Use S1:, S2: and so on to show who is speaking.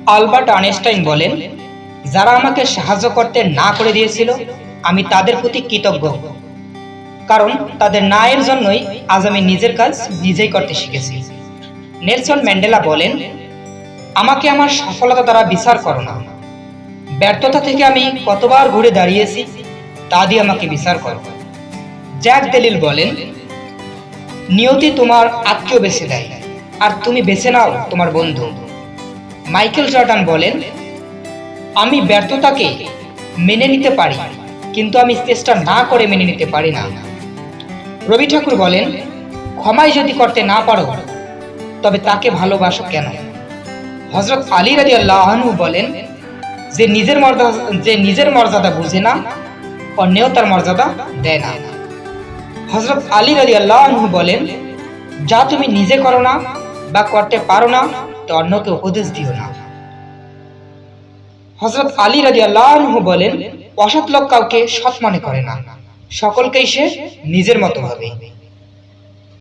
S1: Albert Einstein বলেন, যারা আমাকে সাহায্য করতে না করে দিয়েছিল আমি তাদের প্রতি কৃতজ্ঞ, কারণ তাদের না এর জন্যই আজ আমি নিজের কাজ নিজেই করতে শিখেছি। নেলসন ম্যান্ডেলা বলেন, আমাকে আমার সফলতা দ্বারা বিচার করো না, ব্যর্থতা থেকে আমি কতবার ঘুরে দাঁড়িয়েছি তা দিয়ে আমাকে বিচার করো। জ্যাক দেলিল বলেন, নিয়তি তোমার আত্মীয় বেছে দেয় আর তুমি বেছে নাও তোমার বন্ধু। মাইকেল জর্ডান বলেন, আমি ব্যর্থতাকে মেনে নিতে পারি, কিন্তু আমি চেষ্টা না করে মেনে নিতে পারি না। রবি ঠাকুর বলেন, ক্ষমাই যদি করতে না পারো তবে তাকে ভালোবাসো কেন? হযরত আলী রাদিয়াল্লাহু আনহু বলেন, যে নিজের মর্যাদা বুঝে না অন্যেও তার মর্যাদা দেয় না। হযরত আলী রাদিয়াল্লাহু আনহু বলেন, যা তুমি নিজে করো না বা করতে পারো না তা অন্যকে উপদেশ দিও না। হযরত আলী রাদিয়াল্লাহু আনহু বলেন, অসৎ লোক কাউকে সৎ মনে করে না, সকলকেই সে নিজের মতো ভাবে।